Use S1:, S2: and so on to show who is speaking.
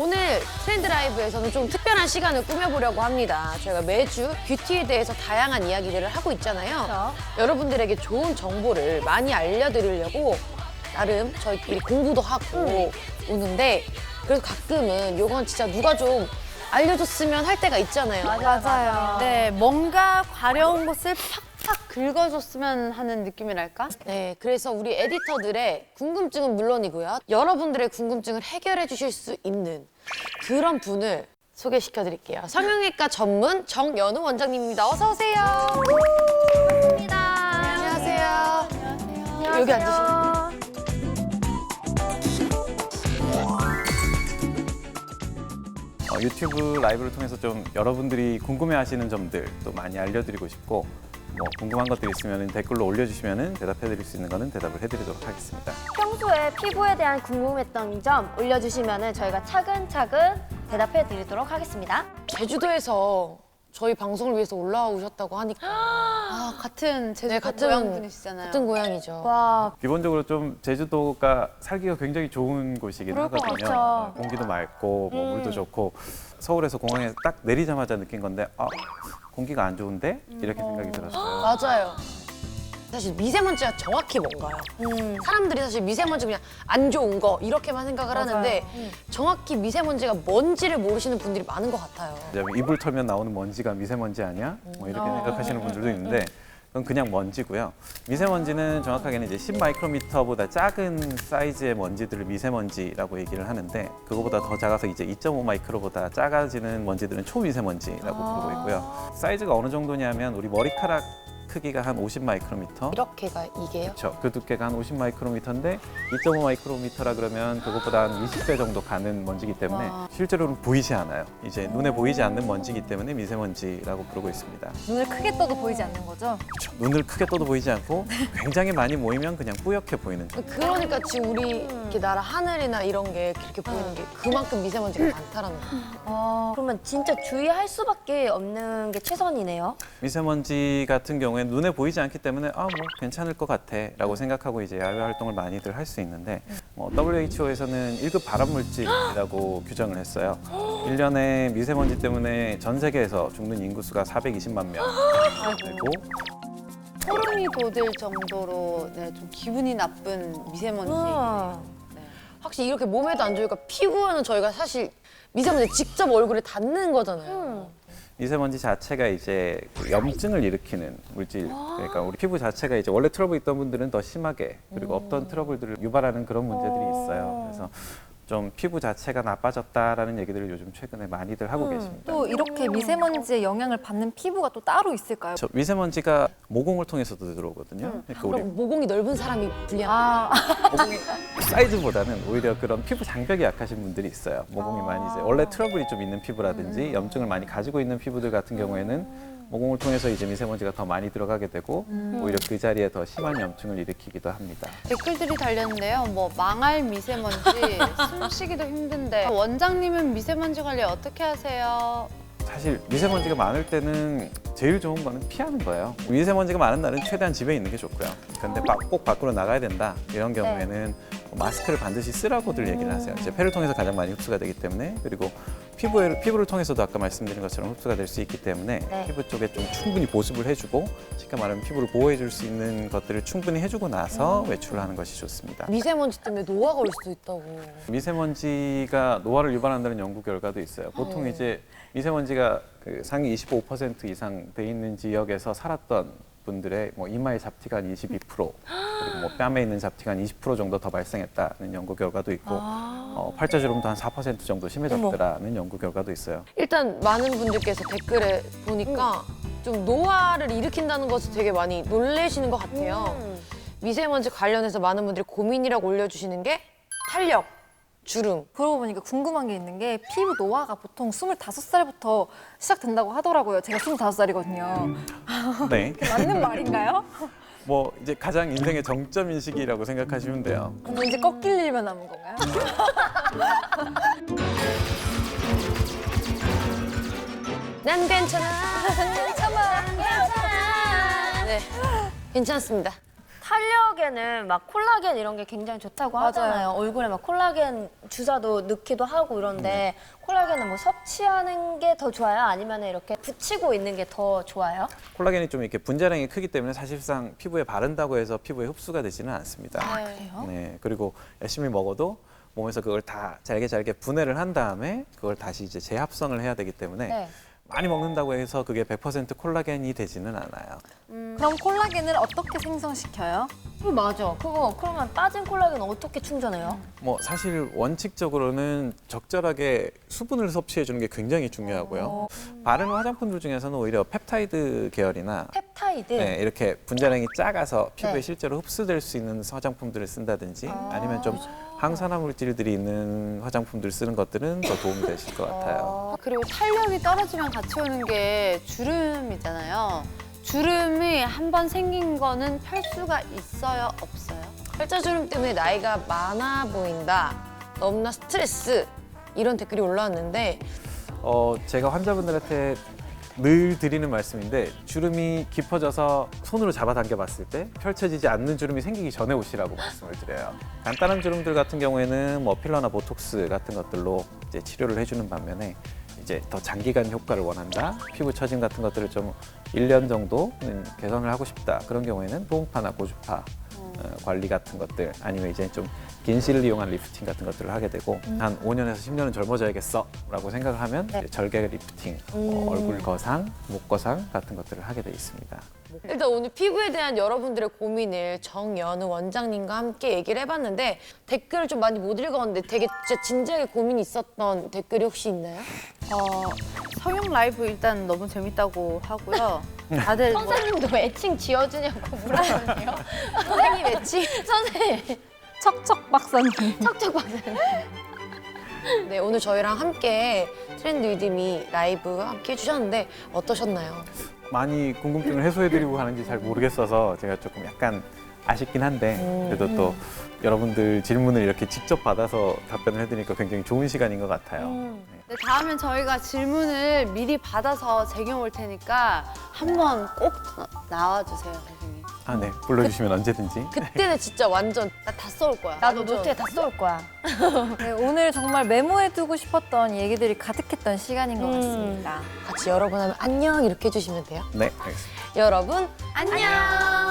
S1: 오늘 트렌드 라이브에서는 좀 특별한 시간을 꾸며보려고 합니다. 저희가 매주 뷰티에 대해서 다양한 이야기들을 하고 있잖아요.
S2: 그렇죠.
S1: 여러분들에게 좋은 정보를 많이 알려드리려고 나름 저희끼리 공부도 하고 오는데 그래서 가끔은 이건 진짜 누가 좀 알려줬으면 할 때가 있잖아요.
S2: 맞아요. 네, 뭔가 과려운 것을 팍팍 긁어줬으면 하는 느낌이랄까?
S1: 네, 그래서 우리 에디터들의 궁금증은 물론이고요. 여러분들의 궁금증을 해결해 주실 수 있는 그런 분을 소개시켜 드릴게요. 성형외과 전문 정연우 원장님입니다. 어서 오세요.
S2: 반갑습니다.
S1: 안녕하세요. 여기 앉으시면
S3: 유튜브 라이브를 통해서 좀 여러분들이 궁금해하시는 점들 또 많이 알려드리고 싶고 뭐 궁금한 것들 있으면 댓글로 올려주시면 대답해드릴 수 있는 거는 대답을 해드리도록 하겠습니다.
S4: 평소에 피부에 대한 궁금했던 점 올려주시면 저희가 차근차근 대답해 드리도록 하겠습니다.
S1: 제주도에서 저희 방송을 위해서 올라오셨다고 하니까
S2: 아, 같은 제주도
S1: 네, 같은
S2: 고향 분이시잖아요.
S1: 같은 고향이죠.
S4: 와,
S3: 기본적으로 좀 제주도가 살기가 굉장히 좋은 곳이긴
S4: 그럴 것
S3: 하거든요.
S4: 같죠.
S3: 공기도 맑고 뭐 물도 좋고 서울에서 공항에 딱 내리자마자 느낀 건데 공기가 안 좋은데? 이렇게 생각이 들었어요.
S1: 맞아요. 사실 미세먼지가 정확히 뭔가요? 사람들이 사실 미세먼지 그냥 안 좋은 거 이렇게만 생각을 하는데 정확히 미세먼지가 뭔지를 모르시는 분들이 많은 것 같아요.
S3: 이제 이불 털면 나오는 먼지가 미세먼지 아니야? 뭐 이렇게 생각하시는 분들도 있는데 그건 그냥 먼지고요. 미세먼지는 정확하게는 이제 10마이크로미터보다 작은 사이즈의 먼지들을 미세먼지라고 얘기를 하는데 그거보다 더 작아서 이제 2.5마이크로보다 작아지는 먼지들은 초미세먼지라고 부르고 있고요. 사이즈가 어느 정도냐면 우리 머리카락 크기가 한 50마이크로미터.
S1: 이렇게가 이게요?
S3: 그렇죠. 그 두께가 한 50마이크로미터인데 2.5마이크로미터라 그러면 그것보다 한 20배 정도 가는 먼지이기 때문에 실제로는 보이지 않아요. 이제 눈에 보이지 않는 먼지이기 때문에 미세먼지라고 부르고 있습니다.
S2: 눈을 크게 떠도 보이지 않는 거죠?
S3: 그렇죠. 눈을 크게 떠도 보이지 않고 굉장히 많이 모이면 그냥 뿌옇게 보이는 거예요.
S1: 그러니까 지금 우리 이렇게 나라 하늘이나 이런 게 그렇게 보이는 게 그만큼 미세먼지가 많다라는 거예요.
S4: 그러면 진짜 주의할 수밖에 없는 게 최선이네요.
S3: 미세먼지 같은 경우에 눈에 보이지 않기 때문에 뭐 괜찮을 것 같아 라고 생각하고 이제 야외 활동을 많이들 할 수 있는데 WHO에서는 1급 발암물질이라고 규정을 했어요. 1년에 미세먼지 때문에 전 세계에서 죽는 인구수가 420만 명 되고
S2: 소름이 돋을 정도로 네, 좀 기분이 나쁜 미세먼지.
S1: 확실히 이렇게 몸에도 안 좋으니까 피부에는 저희가 사실 미세먼지 직접 얼굴에 닿는 거잖아요.
S3: 미세먼지 자체가 이제 그 염증을 일으키는 물질, 그러니까 우리 피부 자체가 이제 원래 트러블 있던 분들은 더 심하게 그리고 없던 트러블들을 유발하는 그런 문제들이 있어요. 그래서 좀 피부 자체가 나빠졌다라는 얘기들을 요즘 최근에 많이들 하고 계십니다.
S2: 또 이렇게 미세먼지의 영향을 받는 피부가 또 따로 있을까요?
S3: 저 미세먼지가 모공을 통해서도 들어오거든요. 그러니까 우리
S1: 그럼 모공이 넓은 사람이 불리한
S3: 모공이 사이즈보다는 오히려 그런 피부 장벽이 약하신 분들이 있어요. 모공이 많이 이제 원래 트러블이 좀 있는 피부라든지 염증을 많이 가지고 있는 피부들 같은 경우에는 모공을 통해서 이제 미세먼지가 더 많이 들어가게 되고 오히려 그 자리에 더 심한 염증을 일으키기도 합니다.
S2: 댓글들이 달렸는데요. 뭐 망할 미세먼지, 숨쉬기도 힘든데 원장님은 미세먼지 관리 어떻게 하세요?
S3: 사실 미세먼지가 많을 때는 제일 좋은 거는 피하는 거예요. 미세먼지가 많은 날은 최대한 집에 있는 게 좋고요. 근데 꼭 밖으로 나가야 된다 이런 경우에는 마스크를 반드시 쓰라고들 얘기를 하세요. 이제 폐를 통해서 가장 많이 흡수가 되기 때문에 그리고 피부를 통해서도 아까 말씀드린 것처럼 흡수가 될 수 있기 때문에 피부 쪽에 좀 충분히 보습을 해주고 쉽게 말하면 피부를 보호해줄 수 있는 것들을 충분히 해주고 나서 외출을 하는 것이 좋습니다.
S1: 미세먼지 때문에 노화가 올 수도 있다고.
S3: 미세먼지가 노화를 유발한다는 연구 결과도 있어요. 보통 이제 미세먼지가 그 상위 25% 이상 돼 있는 지역에서 살았던 분들의 뭐 이마의 잡티가 한 22% 그리고 뭐 뺨에 있는 잡티가 한 20% 정도 더 발생했다는 연구 결과도 있고 팔자주름도 한 4% 정도 심해졌더라는 연구 결과도 있어요.
S1: 일단 많은 분들께서 댓글에 보니까 좀 노화를 일으킨다는 것을 되게 많이 놀라시는 것 같아요. 미세먼지 관련해서 많은 분들이 고민이라고 올려주시는 게 탄력, 주름.
S2: 그러고 보니까 궁금한 게 있는 게 피부 노화가 보통 25살부터 시작된다고 하더라고요. 제가 25살이거든요.
S3: 네,
S2: 맞는 말인가요?
S3: 뭐 이제 가장 인생의 정점인 시기라고 생각하시면 돼요.
S2: 그럼 이제 꺾일 일만 남은 건가요?
S1: 난 괜찮아. 괜찮아. 네, 괜찮습니다.
S4: 탄력에는 막 콜라겐 이런 게 굉장히 좋다고 하잖아요. 얼굴에 막 콜라겐 주사도 넣기도 하고 이런데 콜라겐은 뭐 섭취하는 게 더 좋아요? 아니면 이렇게 붙이고 있는 게 더 좋아요?
S3: 콜라겐이 좀 이렇게 분자량이 크기 때문에 사실상 피부에 바른다고 해서 피부에 흡수가 되지는 않습니다.
S2: 그래요?
S3: 네, 그리고 열심히 먹어도 몸에서 그걸 다 잘게 분해를 한 다음에 그걸 다시 이제 재합성을 해야 되기 때문에
S4: 네.
S3: 많이 먹는다고 해서 그게 100% 콜라겐이 되지는 않아요.
S5: 그럼 콜라겐을 어떻게 생성시켜요?
S4: 맞아. 그거 그러면 빠진 콜라겐 어떻게 충전해요?
S3: 뭐 사실 원칙적으로는 적절하게 수분을 섭취해 주는 게 굉장히 중요하고요. 바르는 화장품들 중에서는 오히려 펩타이드 계열이나
S4: 펩타이드.
S3: 네, 이렇게 분자량이 작아서 피부에
S4: 네.
S3: 실제로 흡수될 수 있는 화장품들을 쓴다든지 아니면 좀 항산화 물질들이 있는 화장품들 쓰는 것들은 더 도움이 되실 것 같아요.
S2: 그리고 탄력이 떨어지면 같이 오는 게 주름이잖아요. 주름이 한 번 생긴 거는 펼 수가 있어요, 없어요?
S1: 팔자주름 때문에 나이가 많아 보인다. 너무나 스트레스. 이런 댓글이 올라왔는데
S3: 제가 환자분들한테 늘 드리는 말씀인데 주름이 깊어져서 손으로 잡아당겨 봤을 때 펼쳐지지 않는 주름이 생기기 전에 오시라고 말씀을 드려요. 간단한 주름들 같은 경우에는 뭐 필러나 보톡스 같은 것들로 이제 치료를 해주는 반면에 이제 더 장기간 효과를 원한다. 피부 처짐 같은 것들을 좀 1년 정도는 개선을 하고 싶다. 그런 경우에는 보온파나 고주파 관리 같은 것들 아니면 이제 좀 긴 실을 이용한 리프팅 같은 것들을 하게 되고 한 5년에서 10년은 젊어져야겠어 라고 생각을 하면 이제 절개 리프팅, 얼굴 거상, 목 거상 같은 것들을 하게 돼 있습니다.
S1: 일단 오늘 피부에 대한 여러분들의 고민을 정연우 원장님과 함께 얘기를 해봤는데 댓글을 좀 많이 못 읽었는데 되게 진짜 진지하게 고민이 있었던 댓글이 혹시 있나요?
S2: 성형 라이브 일단 너무 재밌다고 하고요. 다들 뭐
S4: 선생님도 애칭 지어주냐고 물어보네요.
S1: 선생님 애칭?
S4: 선생님,
S5: 척척 박사님.
S4: 척척 박사님.
S1: 네, 오늘 저희랑 함께 트렌드 위드미 라이브 함께 해주셨는데 어떠셨나요?
S3: 많이 궁금증을 해소해드리고 가는지 잘 모르겠어서 제가 조금 약간 아쉽긴 한데 그래도 또 여러분들 질문을 이렇게 직접 받아서 답변을 해드리니까 굉장히 좋은 시간인 것 같아요. 네.
S2: 네, 다음엔 저희가 질문을 미리 받아서 쟁여올 테니까 한번 꼭 나와주세요, 선생님.
S3: 아, 네. 불러주시면 언제든지.
S1: 그때는 진짜 완전
S2: 나 다 쏠 거야.
S4: 나도
S1: 완전.
S4: 노트에 다 쏠 거야.
S5: 네, 오늘 정말 메모해두고 싶었던 얘기들이 가득했던 시간인 것 같습니다.
S1: 같이 여러분 하면 안녕 이렇게 해주시면 돼요.
S3: 네, 알겠습니다.
S1: 여러분
S2: 안녕.